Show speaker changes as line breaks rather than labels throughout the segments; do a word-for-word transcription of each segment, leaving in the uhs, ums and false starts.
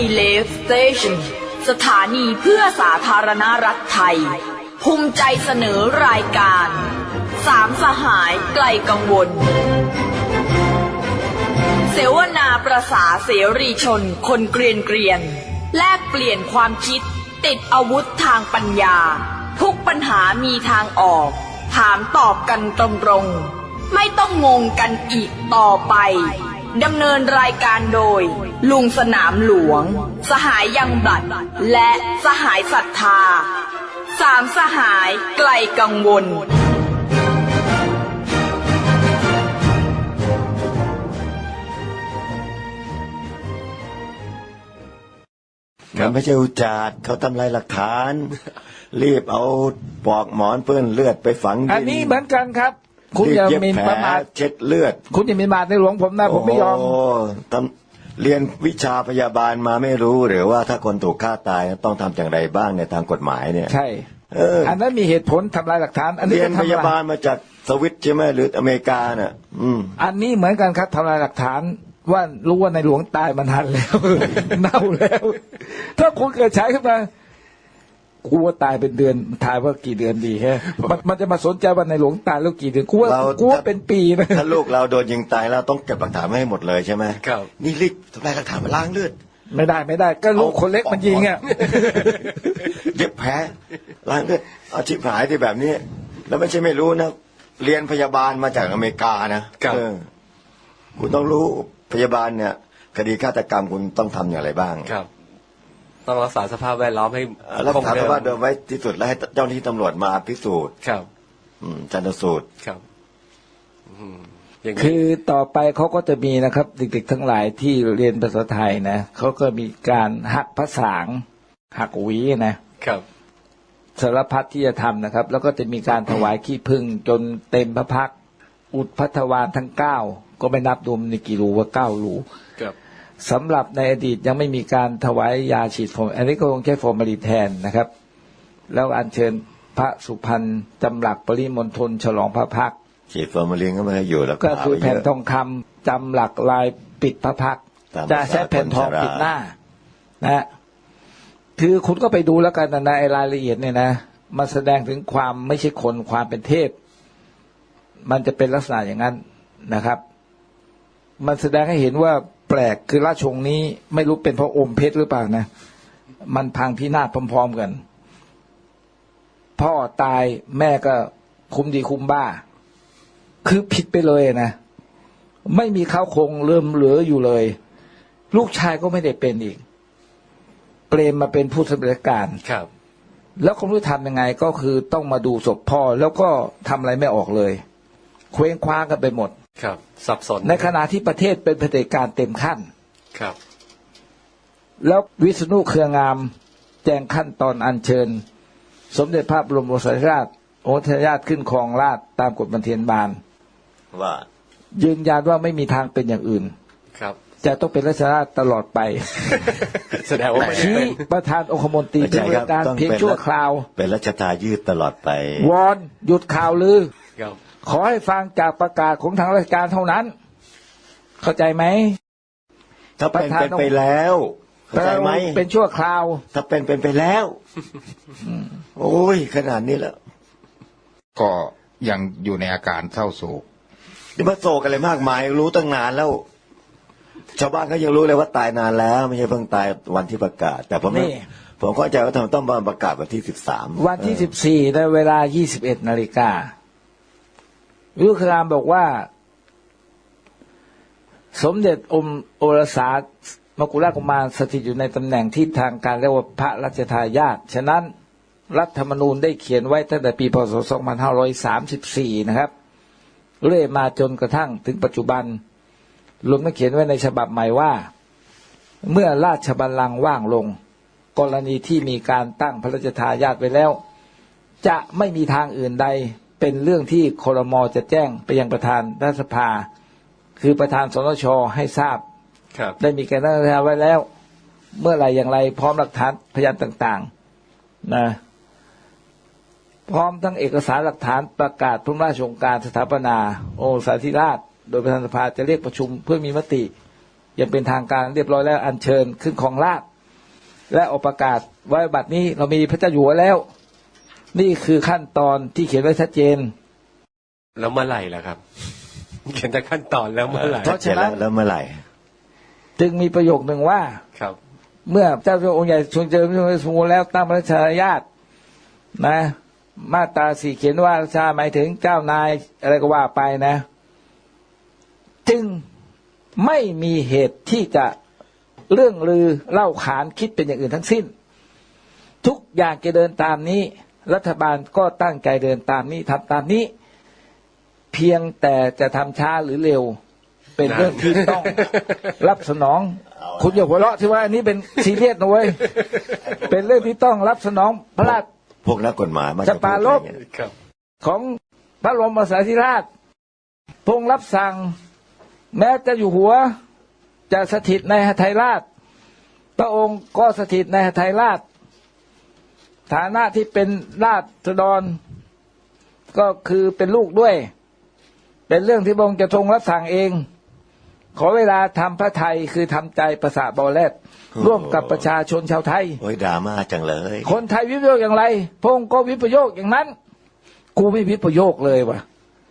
เลฟสเตชันสถานีเพื่อสาธารณรัฐไทยภูมิใจเสนอรายการสามสหายไกลกังวลเสวนาประสาเสรีชนคนเกรียนเกรียนแลกเปลี่ยนความคิดติดอาวุธทางปัญญาทุกปัญหามีทางออกถามตอบกันตรงๆไม่ต้องงงกันอีกต่อไปดำเนินรายการโดยลุงสนามหลวงสหายยังบลัดและสหายศรัทธาสามสหายไกลกังวล
มันไม่ใช่อุจจาระเขาทำลายหลักฐาน รีบเอาปลอกหมอนเปื้อนเลือดไปฝังดิน
อันนี้เหมือนกันครับคุณอย่าหมิ่นประมาท
เช็ดเลือด
คุณอย่าหมิ่นประมาทในหลวงผมนะผมไม่ยอม
โอ้ทำเรียนวิชาพยาบาลมาไม่รู้หรือว่าถ้าคนถูกฆ่าตายต้องทำอย่างไรบ้างในทางกฎหมายเนี่ย
ใช่เอออันนั้นมีเหตุผลทำลายหลักฐานอันนี้
เรียนพยาบาลมาจากสวิตใช่ไหมหรืออเมริกาน่ะอืม
อันนี้เหมือนกันครับทำลายหลักฐานว่ารู้ว่าในหลวงตายมันทันแล้ว เน่าแล้วถ้าคุณเกิดใช้ขึ้นมากูว่าตายเป็นเดือนทายว่ากี่เดือนดีฮะมันมันจะมาสนใจว่าในหลวงตายแล้วกี่เดือนกูว่ากูว่าเป็นปีนะ
ถ้าลูกเราโดนยิงตายแล้วต้องเก็บหลักฐานมาให้หมดเลยใช่ไหมครับนี่รีบทำลายหลักฐานมาล้างเลือด
ไม่ได้ไม่ได้ก็ลูกคนเล็กมันยิงอ่ะ
เย็บแผลล้างเลือดอาชีพหายที่แบบนี้แล้วไม่ใช่ไม่รู้นะเรียนพยาบาลมาจากอเมริกานะคุณต้องรู้พยาบาลเนี่ยคดีฆาตกรรมคุณต้องทำอย่างไรบ้าง
ครับต้องรักษาสภาพแวดล้อมให้
รักษาสภาพเดิมไว้ที่สุดแล้วให้เจ้าหน้าที่ตำรวจมาพิสูจน์
ครับ
ชันสูตร
ครับ
คือต่อไปเขาก็จะมีนะครับเด็กๆทั้งหลายที่เรียนภาษาไทยนะเขาก็มีการหักภาษาหักหวีนะครับสารพัดที่จะทำนะครับแล้วก็จะมีการถวายขี้ผึ้งจนเต็มพระพักตร์อุดพัทวานทั้งเก้าก็ไม่นับดูในกี่รูว่าเก้ารูสำหรับในอดีตยังไม่มีการถวายยาฉีดฟอร์มอันนี้ก็คงใช้ฟอร์มาลีนแทนนะครับแล้วอัญเชิญพระสุพรรณจำหลักปริมณฑลฉลองพระพักตร์
ฉีดฟอร์มาลีนก็ไม่ให้อยู่แล้ว
ก็คือแผ่นทองคำจำหลักลายปิดพระพักตร์จะใช้แผ่นทองปิดหน้านะคือคุณก็ไปดูแล้วกันนะไอ้รายละเอียดเนี่ยนะมันแสดงถึงความไม่ใช่คนความเป็นเทพมันจะเป็นลักษณะอย่างนั้นนะครับมันแสดงให้เห็นว่าแปลกคือราชวงศ์นี้ไม่รู้เป็นเพราะอมเพชรหรือเปล่านะมันพังพินาศพร้อมๆกันพ่อตายแม่ก็คุ้มดีคุ้มบ้าคือผิดไปเลยนะไม่มีข้าวคงเริ่มเหลืออยู่เลยลูกชายก็ไม่ได้เป็นอีกเปรมมาเป็นผู้สำเร็จการ
ครับ
แล้วคนรู้ทำยังไงก็คือต้องมาดูศพพ่อแล้วก็ทำอะไรไม่ออกเลยเคว้งคว้างกันไปหมด
ครับสับสน
ในขณะที่ประเทศเป็นเผด็จการเต็มขั้น
ครับ
แล้ววิษณุเครืองามแจ้งขั้นตอนอัญเชิญสมเด็จพระบรมโอรสาธิราชโอรสาธิราชขึ้นครองราชย์ตามกฎบันเทียนบาน
ว่า
ยืนยันว่าไม่มีทางเป็นอย่างอื่น
ครับ
จะต้องเป็นราชราชตลอดไป
แสดงว่า
ชี้ประธานองคมนตรีเป็นการเพียงชั่วคราว
เป็นรัชทายาทตลอดไป
วอนหยุดข่าวลือขอให้ฟังจากประกาศของทางราชการเท่านั้นเข้าใจไหม
ถ้าเป็นเป็นไปแล้วเข้าใจไหม
เป็นชั่วคราว
ถ้าเป็นเป็นไปแล้วโอ้ยขนาดนี้แล้ว
ก็ยังอยู่ในอาการเศร้าโศก
นี่มาโศกอะไรมากมายรู้ตั้งนานแล้วชาวบ้านก็ยังรู้เลยว่าตายนานแล้วไม่ใช่เพิ่งตายวันที่ประกาศแต่ผมผมเข้าใจว่าทำไมต้องมาประกาศวันที่สิบสาม
วันที่สิบสี่ในเวลายี่สิบเอ็ดนาฬิกาวิรุฬรามบอกว่าสมเด็จอมโอรสามกุฎราชกุมารสถิตอยู่ในตำแหน่งที่ทางการเรียกว่าพระราชทายาทฉะนั้นรัฐธรรมนูญได้เขียนไว้ตั้งแต่ปีพศสองพันห้าร้อยสามสิบสี่นะครับเรื่อยมาจนกระทั่งถึงปัจจุบันรวมทั้งเขียนไว้ในฉบับใหม่ว่าเมื่อราชบัลลังก์ว่างลงกรณีที่มีการตั้งพระราชทายาทไว้แล้วจะไม่มีทางอื่นใดเป็นเรื่องที่ครม.จะแจ้งไปยังประธานรัฐสภาคือประธานสนช.ให้ทราบได้มีการตั้งไว้แล้วเมื่อไรอย่างไรพร้อมหลักฐานพยานต่างๆนะพร้อมทั้งเอกสารหลักฐานประกาศพระราชโองการสถาปนาโอรสาธิราชโดยประธานสภาจะเรียกประชุมเพื่อมีมติอย่างเป็นทางการเรียบร้อยแล้วอัญเชิญขึ้นครองราชย์และออกประกาศไว้บัดนี้เรามีพระเจ้าอยู่หัวแล้ว นี่คือขั้นตอนที่เขียนไว้ชัดเจน
แล้วเมื่อไหร่ล่ะครับ เขียนแต่ขั้นตอนแล้วเมื่อไหร่
เพราะฉะนั้น
แล้วเมื่อไหร่
จึงมีประโยคหนึ่งว่า
ครับ
เมื่อเจ้าพระองค์ใหญ่ทรงเจริญพระชนม์สมบูรณ์แล้วตั้งพระราชาญาตินะ มาตราสี่เขียนว่าราชาหมายถึงเจ้านายอะไรก็ว่าไปนะ จึงไม่มีเหตุที่จะเรื่องลือเล่าขานคิดเป็นอย่างอื่นทั้งสิ้น ทุกอย่างจะเดินตามนี้ รัฐบาลก็ตั้งใจเดินตามนี้ทำตามนี้ เพียงแต่จะทำช้าหรือเร็ว เป็นเรื่องที่ต้องรับสนอง คุณอย่าหัวเราะที่ว่าอันนี้เป็นซีเรียสนะเว้ย เป็นเรื่องที่ต้องรับสนองพระราช
พวกนักกฎหมายมัน
จะปราลบ
ครับ
ของพระบรมสารีริราชพระองค์รับสั่ง แม้จะอยู่หัวจะสถิตในหทัยราช พระองค์ก็สถิตในหทัยราช ฐานะที่เป็นราชฎรก็คือเป็นลูกด้วย เป็นเรื่องที่พระองค์จะทรงรับสั่งเอง ขอเวลาทำพระไทยคือทำใจประสาบอแลดร่วมกับประชาชนชาวไทย
โอ้ยดราม่าจังเลย
คนไทยวิปโยคอย่างไรพระองค์ก็วิปโยคอย่างนั้น กูไม่วิปโยคเลยว่ะ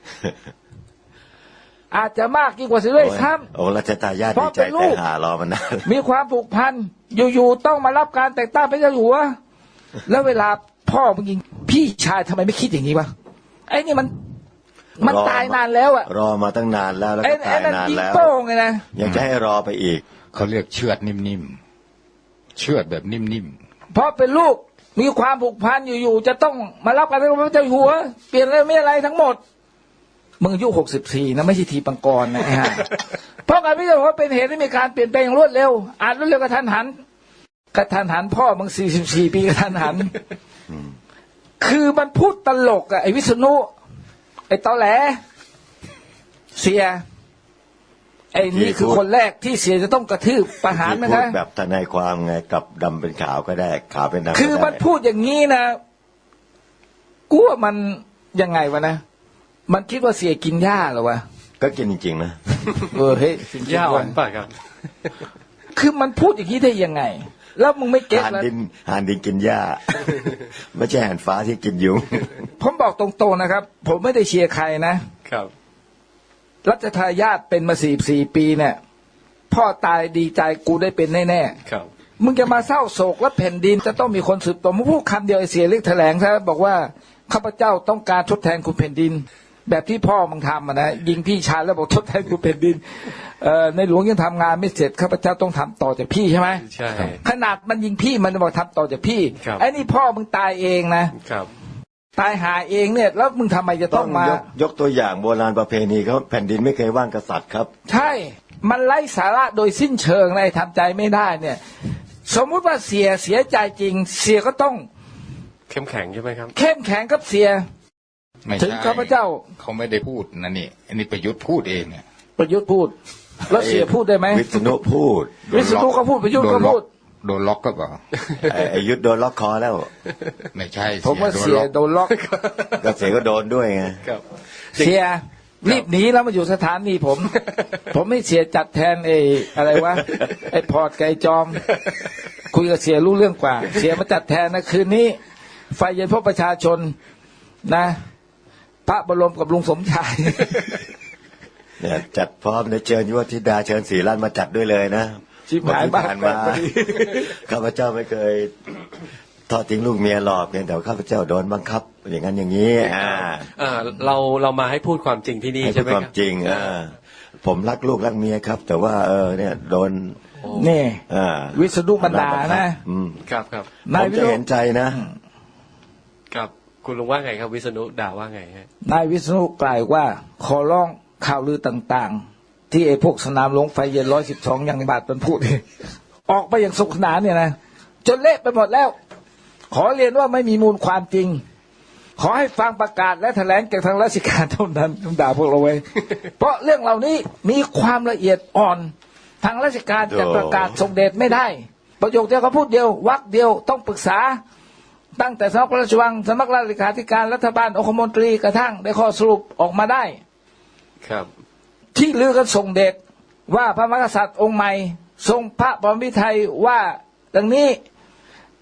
อาจจะมากยิ่งกว่าสิด้วยซ้
โอ้รัชทายาท
เพ
ดี
ราะ
ใจ
เป็นลู
แต่
ก
หารอมานาน
ำมีความผูกพันอยู่ๆต้องมารับการแต่งตั้งพระเจ้าอยู่หัวแล้วเวลาพ่อมึงยิงพี่ชายทำไมไม่คิดอย่างนี้วะไอ้นี่มันมันตายนานแล้วอะ
รอมาตั้งนานแล้วแล้ว
ไอ้
ก็
ไอ้
ตาย
นั่น
นาน
ยิง
แล้ว
โป้งไงนะ
ยังจะให้รอไปอีก
เขาเรียกเชือดนิ่มๆเชือดแบบนิ่ม
เพราะเป็นลูกมีความผูกพันอยู่ๆจะต้องมารับการแต่งตั้งพระเจ้าอยู่หัวเปลี่ยนอะไรไม่อะไรทั้งหมดมึงอายุหกสิบสี่นะไม่ใช่ทีปังกรนะไอ้ห่า เพราะการพิจารณาว่าเป็นเหตุให้มีการเปลี่ยนแปลงอย่างรวดเร็วอาจรวดเร็วกระทันหันกระทันหันพ่อมึงสี่สิบสี่ปีกระทันหัน คือมันพูดตลกอะไอ้วิษณุไอ้ตอแหลเสียไอ้นี่คือคนแรกที่เสียจะต้องกระทืบประหาร
ที่
มัน
พูด
นะ
แบบทนายความไงกับดำเป็นขาวก็ได้ขาวเป็นดำก็ได้
คือมันพูดอย่างนี้นะกูว่ามันยังไงวะนะมันคิดว่าเสียกินหญ้าเหรอวะ
ก็กินจริงๆนะ
เออเฮ้ย
ยาวอ่อนป่ะครับ
คือมันพูดอย่างนี้ได้ยังไง แล้วมึงไม่เก็ต
หาน
แล้ว
ดินหานดินกินหญ้า ไม่ใช่หานฟ้าที่กินยุง
ผมบอกตรงๆนะครับ ผมไม่ได้เชียร์ใครนะ
ครับ
รัชทายาทเป็นมาสี่สี่ปีเนี่ยพ่อตายดีใจกูได้เป็นแน่ๆ
ครับ
มึงจะมาเศร้าโศกและแผ่นดินจะต้องมีคนสืบต่อมึงพูดคำเดียวไอ้เสียเรียกแถลงซะบอกว่าข้าพเจ้าต้องการทดแทนคุณแผ่นดิน แบบที่พ่อมึงทำอะนะยิงพี่ชายแล้วบอกทดแทนคุณแผ่นดินเอ่อในหลวงยังทำงานไม่เสร็จข้าพเจ้าต้องทำต่อจากพี่ใช่ไหม
ใช่
ขนาดมันยิงพี่มันบอกทำต่อจากพี่
ครับ
ไอ้นี่พ่อมึงตายเองนะครับ ตายหาเองเนี่ยแล้วมึงทำไมจะ
ต้
ต้
อ
อง งมาย
กยกตัวอย่างโบราณประเพณีเขาแผ่นดินไม่เคยว่างกษัตริย์ครับ
ใช่มันไร้สาระโดยสิ้นเชิงเลยทำใจไม่ได้เนี่ย สมมุติว่าเสียเสียใจจริง เสียก็ต้อง
เข้มแข็งใช่ไหมครับ
เข้มแข็งกับเสีย
ๆไม่
ถึง
ใช่
ข้าพเจ้า
เขาไม่ได้พูดนะนี่อันนี้ประยุทธ์พูดเองเนี่ย
ประยุทธ์พูด แล้วเสียพูดได้ไหม
วิษณุพูด
วิษณุก็พูดประยุทธ์ก็พูด
โดนล็อกก็เปล่า
ไอ้ไอ้ยุทธโดนล็อกคอแล้ว
ไม่ใช่
ผมว่าเสีย
โดนล็อก
โดนล็อก
ก็เสียก็โดนด้วยไง
ครับ
เสียรีบหนีแล้วมาอยู่สถานีผม ผมไม่เสียจัดแทนไอ้อะไรวะไอ้พอร์ตไก่จอม คุยกับเสียรู้เรื่องกว่า เสียมาจัดแทนนะคืนนี้ ไฟเย็นพบประชาชนนะ พระบรมกับลุงสมชาย
เนี่ยจัดพร้อมในเชิญยุวธิดาเชิญศรีรัตน์มาจัดด้วยเลยนะ
ชิบหายบ้าน
ผ่านมา
พอดี
ข้าพเจ้าไม่เคยทอดทิ้งลูกเมียหรอกเพียงแต่ว่าข้าพเจ้าโดนบังคับ อย่างนั้นอย่างนี้อ่า
อ่า เราเรามาให้พูดความจริงที่นี่
ให้
ใช่
พูด
ไหม
ความ
ครับ
จริงอ่าผมรักลูกรักเมียครับ แต่ว่าเออเนี่ยโดน
นี่
อ่า
วิษณุบรรดานะ
อืม
ครับครับ
ผ
นาย
ม
วิ
จะ
ษณุ
เห็นใจนะ
ครับคุณลุงว่าไงครับ วิษณุด่าว่าไงฮะ
นายวิษณุกล่าวว่า ขอร้องข่าวลือต่างๆ ที่ไอ้พวกสนามหลวงไฟเย็นร้อยสิบสองยังบาทมันพูด ออกไปอย่างสุขสนานเนี่ยนะจนเละไปหมดแล้ว ขอเรียนว่าไม่มีมูลความจริง ขอให้ฟังประกาศและแถลงจากทางราชการเท่านั้นต้องด่าพวกเราไว้ เพราะเรื่องเหล่านี้มีความละเอียดอ่อน ทางราชการจะประกาศส่งเดชไม่ได้ ประโยคเดียวเขาพูดเดียววรรคเดียวต้องปรึกษา ตั้งแต่สำนักพระราชวังสำนักราชเลขาธิการรัฐบาลองคมนตรีกระทั่งได้ข้อสรุปออกมาได้
ครับ
ที่ลือกันส่งเดชว่าพระมหากษัตริย์องค์ใหม่ทรงพระบรมวิทัยว่าดังนี้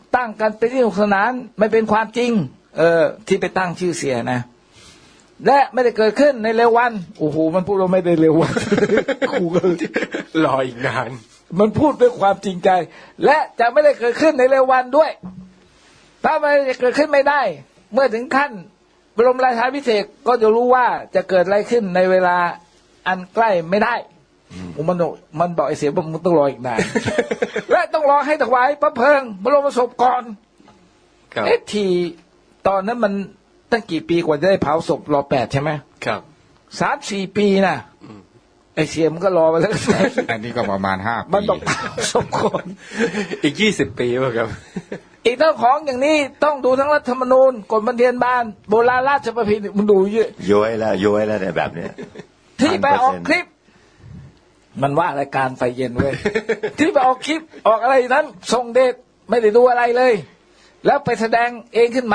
ตั้งกันเป็นที่สนุกสนานไม่เป็นความจริง เออ ที่ไปตั้งชื่อเสียนะ และไม่ได้เกิดขึ้นในเร็ววันโอ้โหมันพูดว่าไม่ได้เร็ววัน ครูก็
รออีกนาน
มันพูดด้วยความจริงใจ และจะไม่ได้เกิดขึ้นในเร็ววันด้วยถ้ามันจะเกิดขึ้นไม่ได้ เมื่อถึงขั้นบรมราชาภิเษกก็จะรู้ว่าจะเกิดอะไรขึ้นในเวลาอันใกล้ไม่ได้มันบอกมันบอกไอ้เสียบอกมึงต้องรออีกนาน และต้องรอให้ถวายพระเพลิงบรมศพก่อน
ครับ
เอ๊ะทีตอนนั้นมันตั้งกี่ปีกว่าจะได้เผาศพรอแปดใช่ไหม
ครับ
สามสี่ปีนะไอ้เสียมันก็รอมาแล้ว
อันนี้ก็ประมาณห้า
มัน
ปี
ต้องเผาศพก่อน
อีกยี่สิบปีป่ะครับ
อีกทั้งของอย่างนี้ต้องดูทั้งรัฐธรรมนูญกฎบันเทียนบานโบราณราชประเพณีมันดูเยอะ
ย้อยแล้วย้อยแล้วเนี่ยแบบเนี้ย
ที่ไปออกคลิป มันว่ารายการไฟเย็นเว้ย ที่ไปออกคลิปออกอะไรนั้นส่งเดชไม่ได้ดูอะไรเลย แล้วไปแสดงเองขึ้นมา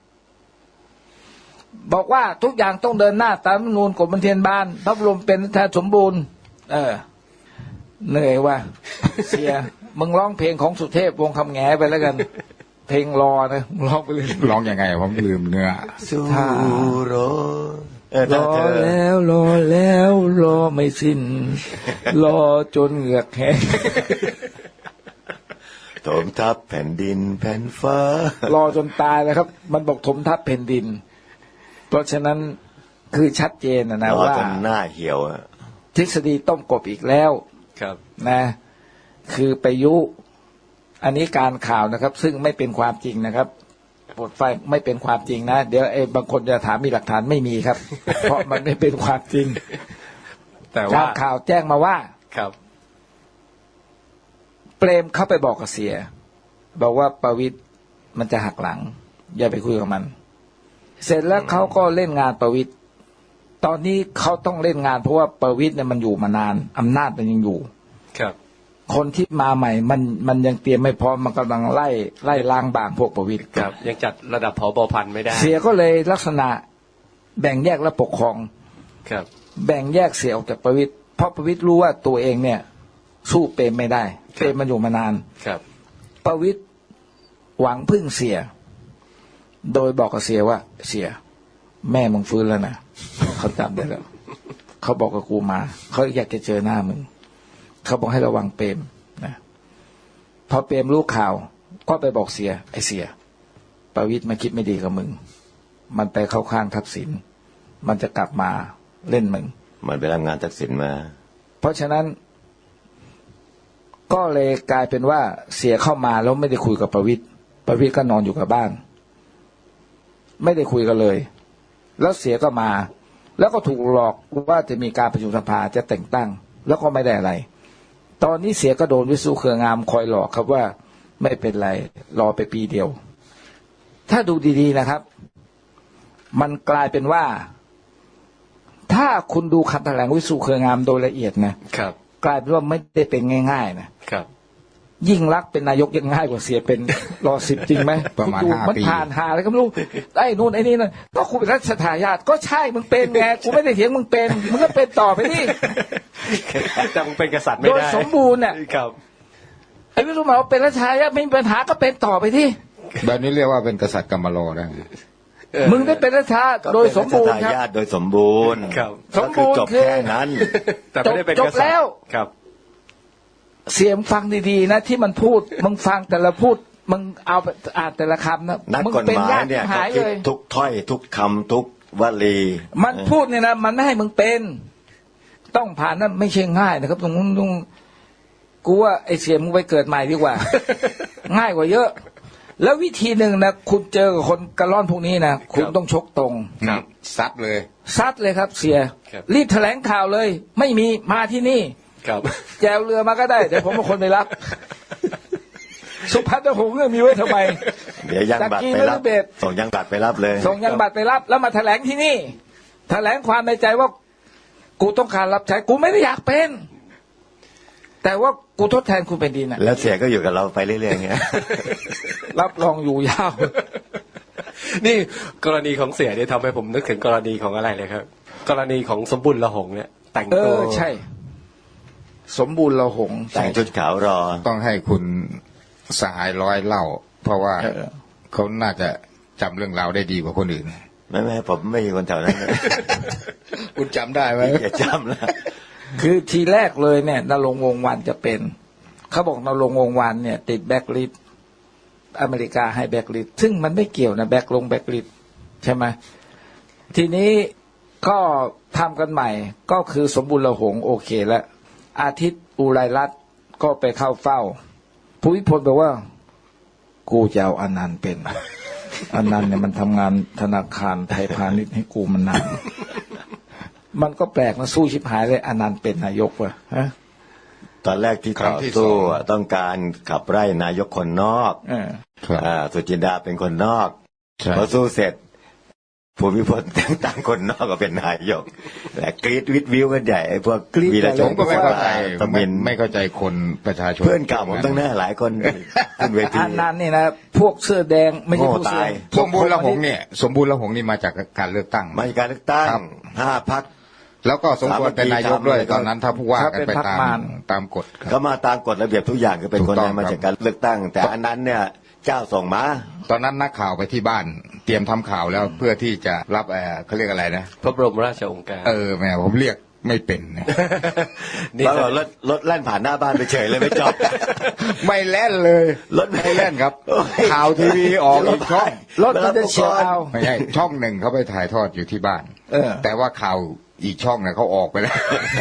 บอกว่าทุกอย่างต้องเดินหน้าตามรัฐธรรมนูญกฎบันเทียนบานพระบรมเป็นรัฐสมบูรณ์ เออเหนื่อยว่ะเสียมึงร้องเพลงของสุเทพวงศ์คำแหงไปแล้วกัน เพลงรอนะมึงร้องไปเลย
ร้องยังไงผมลืมเนื้อ
สู้รอเออ
ร
ถ้า
อ
เธอ
แล้วรอแล้วรอไม่สิ้น รอจนเหงือกแห้ง
ถมทับแผ่นดินแผ่นฟ้าร
อจนตายเลยครับ มันบอกถมทับแผ่นดิน เพราะฉะนั้นคือชัดเจนนะนะ
รอ
ว่า
จนหน้าเหี่ยวอะ
ทฤษฎีต้มกบอีกแล้ว
ครับ
นะ คือไปยุ อันนี้การข่าวนะครับ ซึ่งไม่เป็นความจริงนะครับโปรดไฟไม่เป็นความจริงนะ เดี๋ยวไอ้บางคนจะถามมีหลักฐานไม่มีครับ เพราะมันไม่เป็นความจริง
แต่
กา
ว่า
รข่าวแจ้งมาว่า
ครับ
เปรมเข้าไปบอกกับเสีย บอกว่าประวิตรมันจะหักหลัง อย่าไปคุยกับมัน เสร็จแล้วเขาก็เล่นงานประวิตรตอนนี้เขาต้องเล่นงานเพราะว่าประวิตรเนี่ยมันอยู่มานานอำนาจมันยังอยู่
ครับ
คนที่มาใหม่ มันมันยังเตรียมไม่พร้อมมันกำลังไล่ไล่ล้างบางพวกประวิตร
ครับ ยังจัดระดับผบพันไม่ได้
เสียก็เลยลักษณะแบ่งแยกและปกครอง
ครับ
แบ่งแยกเสียออกจากประวิตรเพราะประวิตรรู้ว่าตัวเองเนี่ย สู้เปรมไม่ได้เปรมมันอยู่มานาน
ครับ
ประวิตรหวังพึ่งเสีย โดยบอกกับเสียว่า เสีย แม่มึงฟื้นแล้วนะเขาจำได้แล้ว เขาบอกกับกูมา เขาอยากจะเจอหน้ามึง เขาบอกให้ระวังเปรมนะพอเปรมรู้ข่าว ก็ไปบอกเสีย ไอเสีย ประวิตรมาคิดไม่ดีกับมึง มันไปเข้าข้างทักษิณมันจะกลับมาเล่นมึง
มันไปรับงานทักษิณมา
เพราะฉะนั้น ก็เลยกลายเป็นว่าเสียเข้ามาแล้วไม่ได้คุยกับประวิตรประวิตรก็นอนอยู่กับบ้าน ไม่ได้คุยกันเลย แล้วเสียก็มา แล้วก็ถูกหลอกว่าจะมีการประชุมสภาจะแต่งตั้ง แล้วก็ไม่ได้อะไร ตอนนี้เสียก็โดนวิสุเครืองามคอยหลอกครับว่าไม่เป็นไรรอไปปีเดียว ถ้าดูดีๆนะครับ มันกลายเป็นว่า ถ้าคุณดูคำแถลงวิสุเครืองามโดยละเอียดนะครับ กลายเป็นว่าไม่ได้เป็นง่ายๆนะครับ ยิ่งรักษณ์เป็นนายกยังง่ายกว่าเสียเป็น รอสิบจริงไหม
ประมาณ
ดู
ห้า
มัน
ปี
ผ่านหาอะไรก็ไม่รู้ไอ้นู่นไอ้นี่นั่นก็คุณเป็นรัชทายาทก็ใช่มึงเป็นไงกูไม่ได้เถียงมึงเป็นมึงก็เป็นต่อไปนี่
แต่มึงเป็นกษัตริย์ไม่
โดย
ได้
สมบูรณ์เนี่ย
ครับ
ไอ้วิสุมาว่าเป็นรัชทายาทไม่มีปัญหาก็เป็นต่อไปที่
แบบนี้เรียกว่าเป็นกษัตริย์กำมะโลได้ไหม
มึงได้เป็นรัชทายาทโดยสมบูรณ์ครับ
ก็เป็นรัชทายาทโดยสมบูรณ์
ครับ
ก็คือจบ
สมบูรณ์คือ
แค่นั้น
แต่ไม่ได้เป็น
จ
ก
บ
ษัตริย์
แล้ว
ครับ
เสียงฟังดีๆนะที่มันพูด มึงฟังแต่ละพูดมึงเอาไปอ่านแต่ละคำนะ
นัก
มึง
กฎ
เป็น
หมาย
ยาก
เนี่ย
หา
เขา
ย
คิด
เลย
ทุกถ้อยทุกคำทุกวลี
มันพูดเนี่ยนะมันไม่ให้มึงเป็น ต้องผ่านนั้นไม่ใช่ง่ายนะครับตรงนู้นตรงกูว่าไอเสียมึงไปเกิดใหม่ดีกว่า ง่ายกว่าเยอะ แล้ววิธีหนึ่งนะคุณเจอกับคนกระล่อนพวกนี้นะคุณต้องชกตรง
ครับ
ซัดเลย
ซัดเลยครับ เสีย
ครับ
รีบแถลงข่าวเลย ไม่มีมาที่นี่
ครับ
แจวเรือมาก็ได้เดี๋ยวผมเป็นคนไปรับ สุพัฒน์หงส์เนี่ยมีไว้ทำไม
เดี๋ยวยังบัตรไปรับ
จากกีนฤเบศ
ส่งยังบัตรไปรับเลย
ส่งยังบัตรไปรับ แล้วมาแถลงที่นี่ แถลงความในใจว่า กูต้องการรับใช้กูไม่ได้อยากเป็น แต่ว่ากูทดแทนคุณเป็นดีนะ
แล้วเสียก็อยู่กับเราไปเรื่อยๆอย่างเงี้ย
รับรองอยู่ยาว
นี่กรณีของเสียเนี่ยทำให้ผมนึกถึงกรณีของอะไรเลยครับ กรณีของสมบุญละหงเนี่ย แต่ง
เอ
ตัว
อใช่ สมบูรณ์เราหงส์
แต่งชุดขาวรอ
ต้องให้คุณสหายร้อยเล่าเพราะว่า
เออ
เขาน่าจะจำเรื่องราวได้ดีกว่าคนอื่น
ไม่ไม่ผมไม่ใช่คนแถวนั้น
คุณจำได้ไหม
อย่าจำนะ
คือทีแรกเลยเนี่ยนรงค์วงศ์วรรณจะเป็นเขาบอกนรงค์วงศ์วรรณเนี่ยติดแบ็คลิสต์อเมริกาให้แบ็คลิสต์ซึ่งมันไม่เกี่ยวนะแบ็คลงแบ็คลิสต์ใช่ไหมทีนี้ก็ทำกันใหม่ก็คือสมบูรณ์ละหงโอเคแล้วอาทิตย์อุไรรัตน์ก็ไปเข้าเฝ้าภูมิพลบอกว่า กูจะเอาอนันต์เป็น อนันต์เนี่ยมันทำงานธนาคารไทยพาณิชย์ให้กูมันนาน มันก็แปลกนะสู้ชิบหายเลยอนันต์เป็นนายกวะฮะ
ตอนแรกที่
ครั้
ต่
ง
อ
ที่ส
สู้
อง
อะต้องการขับไล่นายกคนนอก
เออ
ครับ
อ่าสุจินดาเป็นคนนอก
ใช่
พอสู้เสร็จภูมิพลแต่งตั้งคนนอกก็เป็นนายกและกรีดวิดวิวกันใหญ่ไอ้พวก
กรี๊ด
วีรช
ผ
น
มก็ไม่เข้าใจ
ตะ
ไม่
มิน
ไม่เข้าใจคนประชาชน
เพื่อนเก่าผมตั้งหน้าหลายคนขึ้นเวที
อันนั้นนี่นะพวกเสื้อแดงไม่ใช่พวกเสื้อ
โง่ตาย
สมบูรณ์ละหงเนี่ย สมบูรณ์ละหงนี่มาจากการเลือกตั้ง
มาจากการเลือกตั้ง
ครับ
ห้าพัก
แล้วก็สมควรเป็นนายกด้วย
สามัคคี
ตอนนั้นถ้าผู้ว่ากันไป
ถ้าเป็นพรรค
ตาม
มาร
ตามกฎครับ
ก็มาตามกฎระเบียบทุกอย่างคือเป็น
ถูก
คน
ต้อง
นั้นมา
ครับ
จากการเลือกตั้ง แต่อันนั้นเนี่ยเจ้าส่งมา
ตอนนั้นนักข่าวไปที่บ้าน เตรียมทำข่าวแล้วเพื่อที่จะรับเอ่อเขาเรียกอะไรนะ
พระบรมราชโองการ
เออแหม่ผมเรียกไม่เป็นนะ
นี่
แล้วรถรถแล่นผ่านหน้าบ้านไปเฉยเลยไม่จอด
ไม่แล่นเลย
รถไม่
ไม่แล่นครับ
โอ้ย
ข่าวทีวีออกอีกช่อง
รถมันจะเฉียวเอา
ไม่ใช่ช่องหนึ่งเขาไปถ่ายทอดอยู่ที่บ้าน
เออ
แต่ว่าข่าวอีกช่องเนี่ยเขาออกไปแล้ว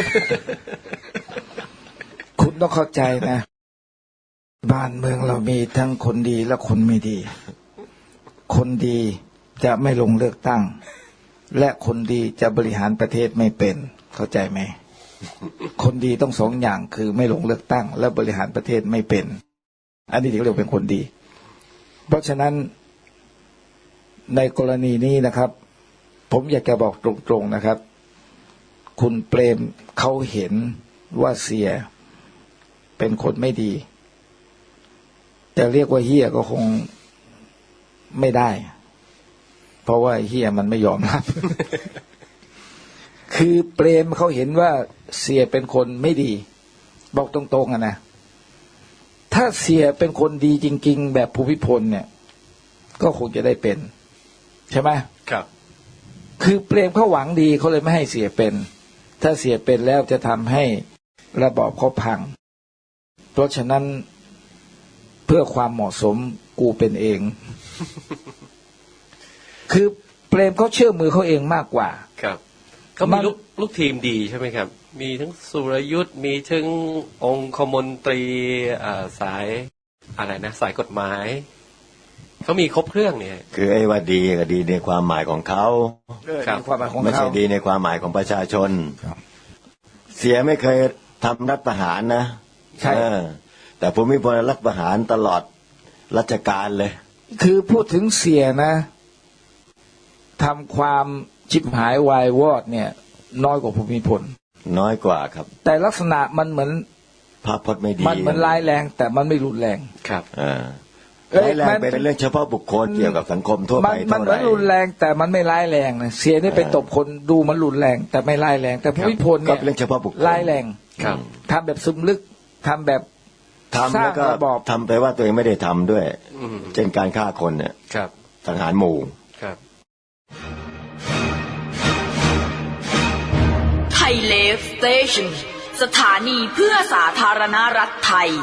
คุณต้องเข้าใจนะ บ้านเมืองเรามีทั้งคนดีและคนไม่ดี คนดีจะไม่ลงเลือกตั้ง และคนดีจะบริหารประเทศไม่เป็น เข้าใจไหม คนดีต้องสองอย่างคือไม่ลงเลือกตั้ง และบริหารประเทศไม่เป็น อันนี้ถึงเรียกเป็นคนดี เพราะฉะนั้นในกรณีนี้นะครับ ผมอยากจะบอกตรงๆนะครับ คุณเปรมเขาเห็นว่าเสียเป็นคนไม่ดีจะเรียกว่าเฮียก็คงไม่ได้ เพราะว่าเฮียมันไม่ยอมรับ คือเปรมเขาเห็นว่าเสียเป็นคนไม่ดี บอกตรงๆอะนะถ้าเสียเป็นคนดีจริงๆแบบภูมิพลเนี่ย ก็คงจะได้เป็น ใช่ไหม
ครับ
คือเปรมเขาหวังดีเขาเลยไม่ให้เสียเป็น ถ้าเสียเป็นแล้วจะทำให้ระบอบเขาพัง เพราะฉะนั้นเพื่อความเหมาะสมกูเป็นเอง คือเปรมเขาเชื่อมือเขาเองมากกว่า
ครับเขามีลูกลูกทีมดีใช่ไหมครับ มีทั้งสุรยุทธ์มีทั้งองคมนตรีอ่าสายอะไรนะ สายกฎหมายเขามีครบเครื่องเนี่ย
คือไอ้ว่าดีก็ดีในความหมายของเขา
ครับ
ในความหมายของ
ไม่
เขา
ใช่ดีในความหมายของประชาชน
ครับ
เสียไม่เคยทำรัฐประหารนะ
ใช่
เออแต่ภูมิพลรัฐประหารตลอดรัชกาลเลย
คือพูดถึงเสียนะทำความชิบหายวายวอดเนี่ย น้อยกว่าภูมิพล
น้อยกว่าครับ
แต่ลักษณะมันเหมือน
ภาพพจน์ไม่ดี
มันเหมือนร้ายแรง แต่มันไม่รุนแรง
ครับ
เออ
เอ้ย
ร้ายแรง
มัน
เป็นเรื่องเฉพาะบุคคลเกี่ยวกับสังคมทั่ว
มั
ไป
นมัน
เท่า
เห
ไห
มือ
ร่
นรุนแรงแต่มันไม่ร้ายแรงนะเสียนี่ไป
เออ
ตบคนดูมันรุนแรง แต่ไม่ร้ายแรง แต่ภูมิพล
ก็
เนี่ย
เป็นเรื่องเฉพาะบุคคล
ร้ายแรง
ครับ
ทำแบบซึมลึกทำแบบ
ทำแล้วก็
สร้างระบอบ
ทำไปว่าตัวเองไม่ได้ทำด้วย
อืม
เช่นการฆ่าคนเนี่ย
ครับ
สังหารหมู่
ครับ
ไทยเลฟสเตชันสถานีเพื่อสาธารณรัฐไทย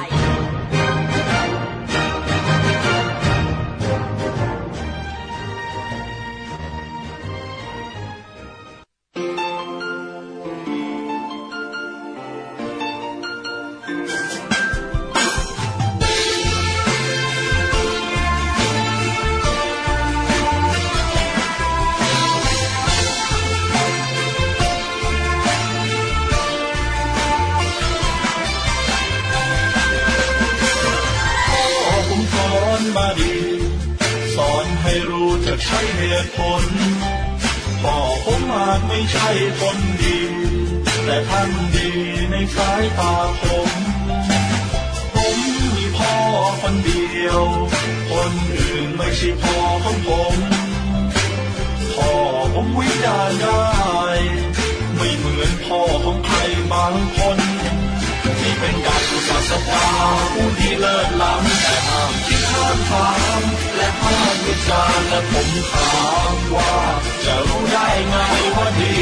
พ่อผมสอนมาดี สอนให้รู้จักใช้เหตุผลพ่อผมอาจไม่ใช่คนดี แต่ท่านดีในสายตาผม ผมมีพ่อคนเดียว คนอื่นไม่ใช่พ่อของผมพ่อผมวิจารณ์ได้ ไม่เหมือนพ่อของใครบางคน ที่เป็นการศาสดาผู้ที่เลิศล้ำแต่ห้ามคิดห้ามฟังจารณ์และผมถามว่าจะรู้ได้ไงว่าดี